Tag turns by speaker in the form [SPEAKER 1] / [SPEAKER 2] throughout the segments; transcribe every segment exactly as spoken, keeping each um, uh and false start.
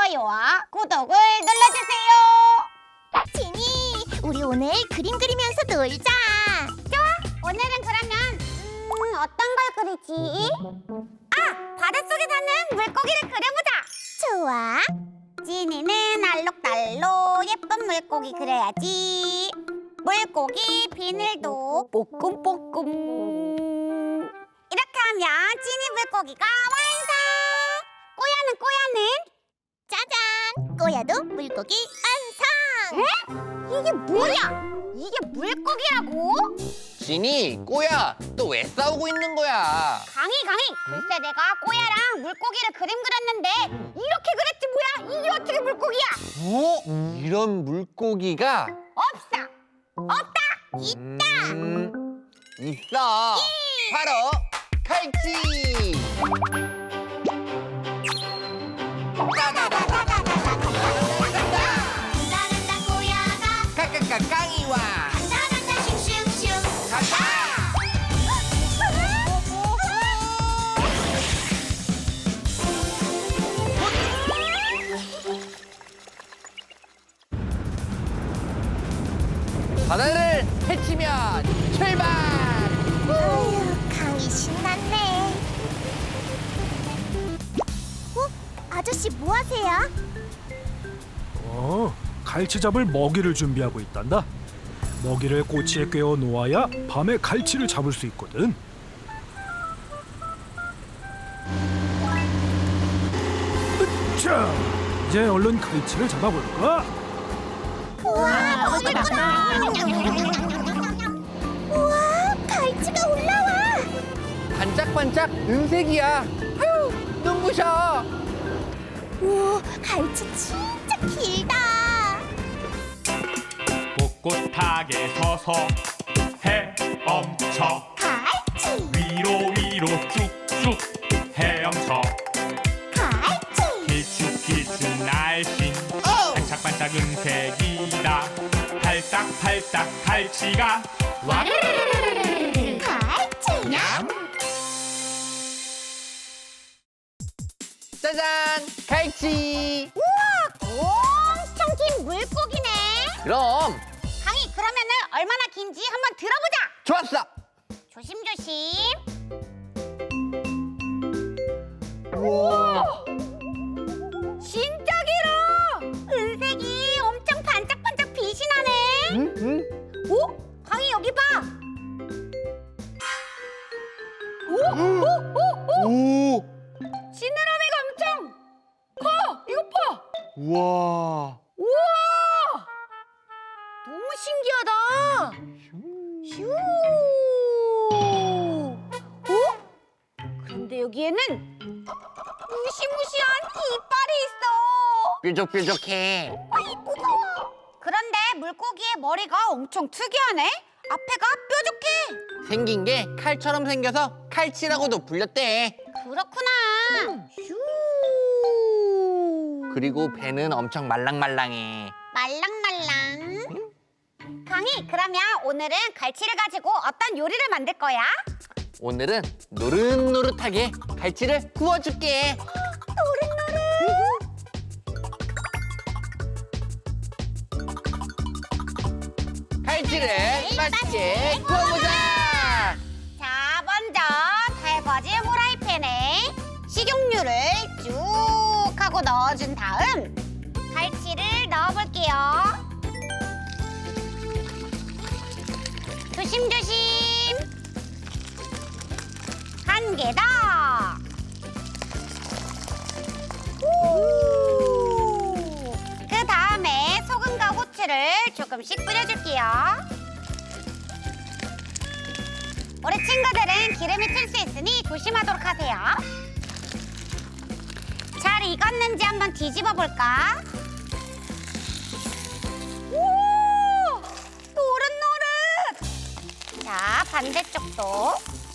[SPEAKER 1] 좋아요와 구독을 눌러주세요.
[SPEAKER 2] 지니, 우리 오늘 그림 그리면서 놀자.
[SPEAKER 1] 좋아, 오늘은 그러면 음, 어떤 걸 그리지? 아, 바닷속에 사는 물고기를 그려보자.
[SPEAKER 2] 좋아.
[SPEAKER 1] 지니는 알록달록 예쁜 물고기 그려야지. 물고기 비늘도 뽀끔뽀끔. 이렇게 하면 지니 물고기가 완성. 꼬야는 꼬야는
[SPEAKER 2] 짜잔, 꼬야도 물고기 완성.
[SPEAKER 1] 에? 이게 뭐야? 이게 물고기라고?
[SPEAKER 3] 지니, 꼬야, 또 왜 싸우고 있는 거야?
[SPEAKER 1] 강희 강희 글쎄 내가 꼬야랑 물고기를 그림 그렸는데 이렇게 그렸지 뭐야? 이게 어떻게 물고기야?
[SPEAKER 3] 어? 이런 물고기가
[SPEAKER 1] 없어. 없다.
[SPEAKER 3] 있다. 음, 있어. 바로 칼치.
[SPEAKER 2] 간다간다 꼬야가
[SPEAKER 3] 까까까 깡이와
[SPEAKER 2] 간다간다 슝슝슝.
[SPEAKER 3] 가자. 바다를 헤치면 출발.
[SPEAKER 2] 아휴, 강이 신났네. 어? 아저씨 뭐 하세요?
[SPEAKER 4] 어, 갈치 잡을 먹이를 준비하고 있단다. 먹이를 꼬치에 꿰어 놓아야 밤에 갈치를 잡을 수 있거든. 자, 이제 얼른 갈치를 잡아볼까?
[SPEAKER 2] 우와, 먹을거다. 우와, 갈치가 올라와.
[SPEAKER 3] 반짝반짝 은색이야. 아유, 눈부셔.
[SPEAKER 2] 우와, 갈치 진짜 길다.
[SPEAKER 5] 꼿꼿하게 서서 헤엄쳐
[SPEAKER 2] 갈치,
[SPEAKER 5] 위로 위로 쭉쭉 헤엄쳐
[SPEAKER 2] 갈치.
[SPEAKER 5] 길쭉길쭉 날씬 반짝반짝 은색이다 팔딱팔딱 갈치가 와르르르르르
[SPEAKER 2] 갈치.
[SPEAKER 3] 짜잔, 갈치.
[SPEAKER 1] 우와, 엄청 긴 물고기네.
[SPEAKER 3] 그럼
[SPEAKER 1] 강희 그러면은 얼마나 긴지 한번 들어보자.
[SPEAKER 3] 좋았어.
[SPEAKER 1] 조심조심.
[SPEAKER 3] 우와.
[SPEAKER 1] 진짜 길어. 은색이 엄청 반짝반짝 빛이 나네.
[SPEAKER 3] 응? 응?
[SPEAKER 1] 오? 강희 여기 봐. 오? 오? 오? 오?
[SPEAKER 3] 오.
[SPEAKER 1] 지느러미가 엄청 커. 이거 봐.
[SPEAKER 3] 우와.
[SPEAKER 1] 우와. 너무 신기하다. 슈. 오? 그런데 여기에는 무시무시한 이빨이 있어.
[SPEAKER 3] 뾰족뾰족해.
[SPEAKER 1] 아이 무서워. 그런데 물고기의 머리가 엄청 특이하네. 앞에가 뾰족해.
[SPEAKER 3] 생긴 게 칼처럼 생겨서 칼치라고도 불렸대.
[SPEAKER 1] 그렇구나. 슈.
[SPEAKER 3] 그리고 배는 엄청 말랑말랑해.
[SPEAKER 1] 말랑말랑. 강희, 그러면 오늘은 갈치를 가지고 어떤 요리를 만들 거야?
[SPEAKER 3] 오늘은 노릇노릇하게 갈치를 구워줄게. 갈치를 맛있게 구워보자.
[SPEAKER 1] 자, 먼저 달궈진 후라이팬에 식용유를 쭉 하고 넣어준 다음 갈치를 넣어볼게요. 조심조심. 한 개 더. 그 다음에 소금과 후추를 조금씩 뿌려줄게요. 우리 친구들은 기름이 튈 수 있으니 조심하도록 하세요. 잘 익었는지 한번 뒤집어 볼까? 오! 노릇노릇! 자, 반대쪽도.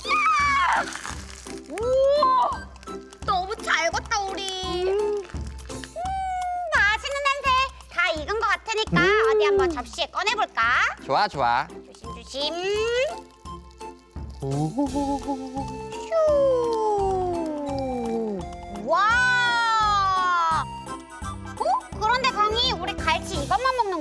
[SPEAKER 1] 우와! 너무 잘 익었다, 우리. 음, 맛있는 냄새. 다 익은 것 같으니까 어디 한번 접시에 꺼내볼까?
[SPEAKER 3] 좋아, 좋아.
[SPEAKER 1] 조심조심.
[SPEAKER 3] 오.
[SPEAKER 1] 슈. 와.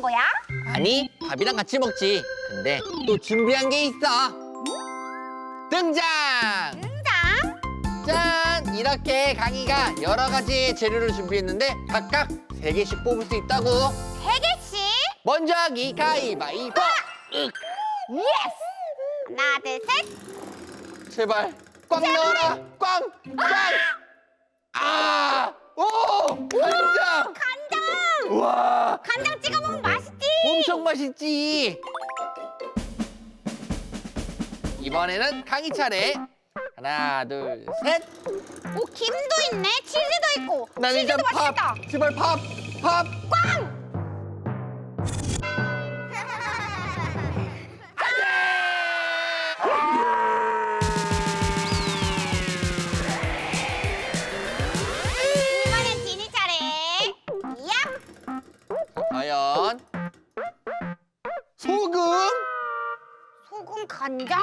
[SPEAKER 1] 거야?
[SPEAKER 3] 아니, 밥이랑 같이 먹지. 근데 또 준비한 게 있어. 등장!
[SPEAKER 1] 등장.
[SPEAKER 3] 짠! 이렇게 강희가 여러 가지 재료를 준비했는데 각각 세 개씩 뽑을 수 있다고.
[SPEAKER 1] 세 개씩.
[SPEAKER 3] 먼저 하기 가위바위보. 윽.
[SPEAKER 1] 예스. 하나, 둘, 셋.
[SPEAKER 3] 제발 꽉 넣어라. 꽝! 꽝! 아! 오! 간장!
[SPEAKER 1] 간장.
[SPEAKER 3] 와!
[SPEAKER 1] 간장 찍어 먹으면 맛있지.
[SPEAKER 3] 엄청 맛있지. 이번에는 강희 차례. 하나, 둘, 셋.
[SPEAKER 1] 오, 김도 있네. 치즈도 있고.
[SPEAKER 3] 난 일단
[SPEAKER 1] 치즈도
[SPEAKER 3] 밥.
[SPEAKER 1] 맛있다.
[SPEAKER 3] 제발 밥. 밥.
[SPEAKER 1] 꽝. 이번엔 지니 차례. 얍.
[SPEAKER 3] 과연 소금?
[SPEAKER 1] 소금, 간장.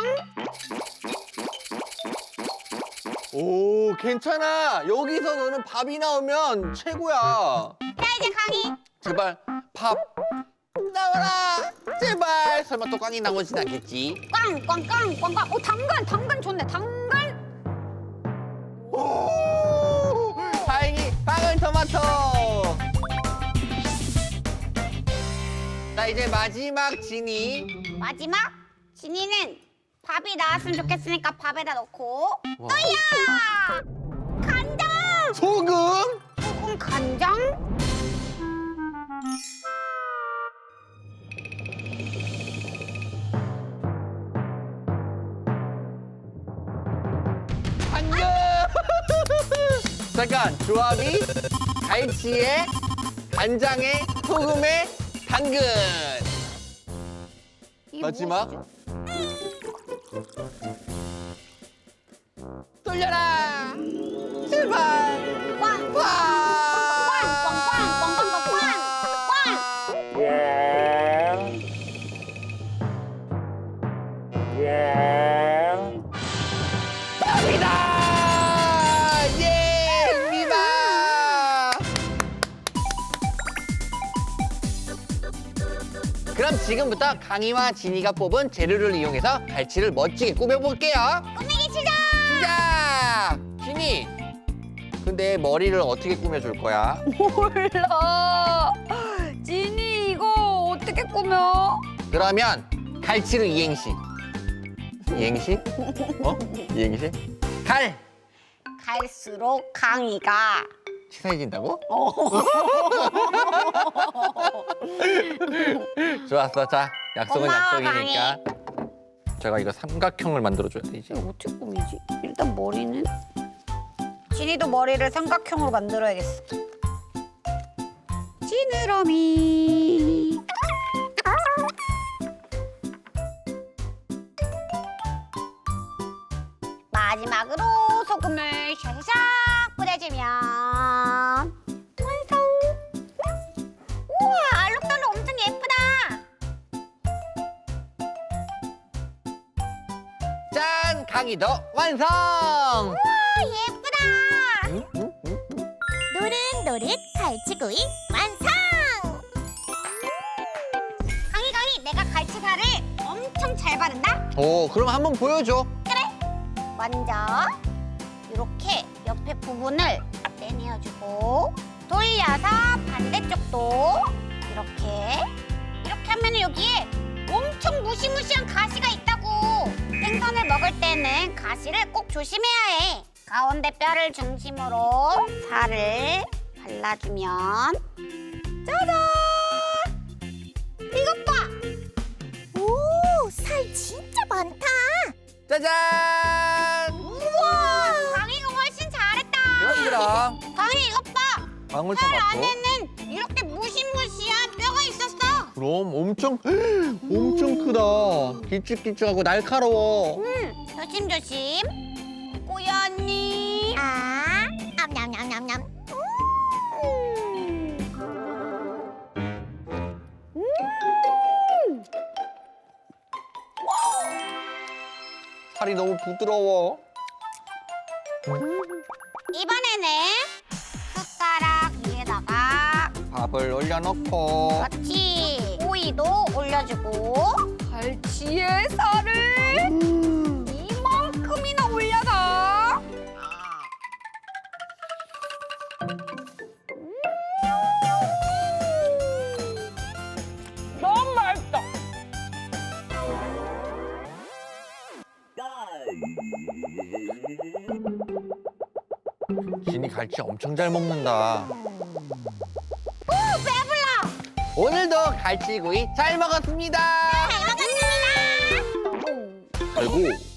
[SPEAKER 3] 오, 괜찮아. 여기서 너는 밥이 나오면 최고야.
[SPEAKER 1] 자, 이제 강희.
[SPEAKER 3] 제발 밥 나와라. 제발. 설마 또 꽝이 나오진 않겠지?
[SPEAKER 1] 꽝, 꽝, 꽝, 꽝, 꽝. 오, 당근, 당근 좋네. 당근.
[SPEAKER 3] 오! 다행히 빵은 토마토. 자, 이제 마지막 지니.
[SPEAKER 1] 마지막. 지니는 밥이 나왔으면 좋겠으니까 밥에다 넣고.
[SPEAKER 3] 와.
[SPEAKER 1] 또야. 간장.
[SPEAKER 3] 소금?
[SPEAKER 1] 소금, 간장.
[SPEAKER 3] 당근! 잠깐, 조합이 갈치에 간장에 소금에 당근.
[SPEAKER 1] 이게
[SPEAKER 3] 마지막.
[SPEAKER 1] 무엇이지?
[SPEAKER 3] 돌려라. 제발.
[SPEAKER 1] 꽝, 꽝,
[SPEAKER 3] 와.
[SPEAKER 1] 꽝, 꽝, 꽝, 꽝, 꽝, 꽝.
[SPEAKER 3] 밥이다. 예, 승리다. 그럼 지금부터 강희와 진이가 뽑은 재료를 이용해서 갈치를 멋지게 꾸며볼게요.
[SPEAKER 1] 꾸미기 시작.
[SPEAKER 3] 시작! 진이, 근데 머리를 어떻게 꾸며줄 거야?
[SPEAKER 1] 몰라. 지니 이거 어떻게 꾸며?
[SPEAKER 3] 그러면 갈치를 이행시. 이행시? 어? 이행시? 갈!
[SPEAKER 1] 갈수록 강희가
[SPEAKER 3] 친해진다고? 좋았어. 자, 약속은
[SPEAKER 1] 고마워,
[SPEAKER 3] 약속이니까. 제가 이거 삼각형을 만들어줘야 되지.
[SPEAKER 1] 어떻게 꾸미지? 일단 머리는 지니도 머리를 삼각형으로 만들어야겠어. 지느러미. 마지막으로 소금을 샤샤샥 뿌려주면 완성. 우와, 알록달록 엄청 예쁘다.
[SPEAKER 3] 짠! 강희도 완성!
[SPEAKER 1] 우와, 예쁘다.
[SPEAKER 3] 응? 응? 응?
[SPEAKER 2] 노릇노릇 갈치구이 완성!
[SPEAKER 1] 강희 강희, 내가 갈치살을 엄청 잘 바른다.
[SPEAKER 3] 오, 그럼 한번 보여줘.
[SPEAKER 1] 먼저 이렇게 옆에 부분을 떼내어주고 돌려서 반대쪽도 이렇게 이렇게 하면 여기에 엄청 무시무시한 가시가 있다고. 생선을 먹을 때는 가시를 꼭 조심해야 해. 가운데 뼈를 중심으로 살을 발라주면 짜잔! 이것 봐!
[SPEAKER 2] 오, 살 진짜 많다!
[SPEAKER 3] 짜잔!
[SPEAKER 1] 우와! 강희가 훨씬 잘했다.
[SPEAKER 3] 그럼 그럼.
[SPEAKER 1] 강희 이것 봐. 살
[SPEAKER 3] 방울토마토.
[SPEAKER 1] 안에는 이렇게 무시무시한 뼈가 있었어.
[SPEAKER 3] 그럼 엄청 엄청 크다. 길쭉길쭉하고 날카로워.
[SPEAKER 1] 응, 조심조심. 꼬야 언니.
[SPEAKER 2] 아, 암냠냠냠냠.
[SPEAKER 3] 살이 너무 부드러워.
[SPEAKER 1] 이번에는 숟가락 위에다가
[SPEAKER 3] 밥을 올려놓고
[SPEAKER 1] 그렇지. 위도 올려주고 갈치의 살을 이만큼이나 올려서 너무 맛있다.
[SPEAKER 3] 진이 갈치 엄청 잘 먹는다.
[SPEAKER 1] 오, 배불러.
[SPEAKER 3] 오늘도 갈치구이 잘 먹었습니다.
[SPEAKER 1] 잘 먹었습니다.
[SPEAKER 3] 아이고.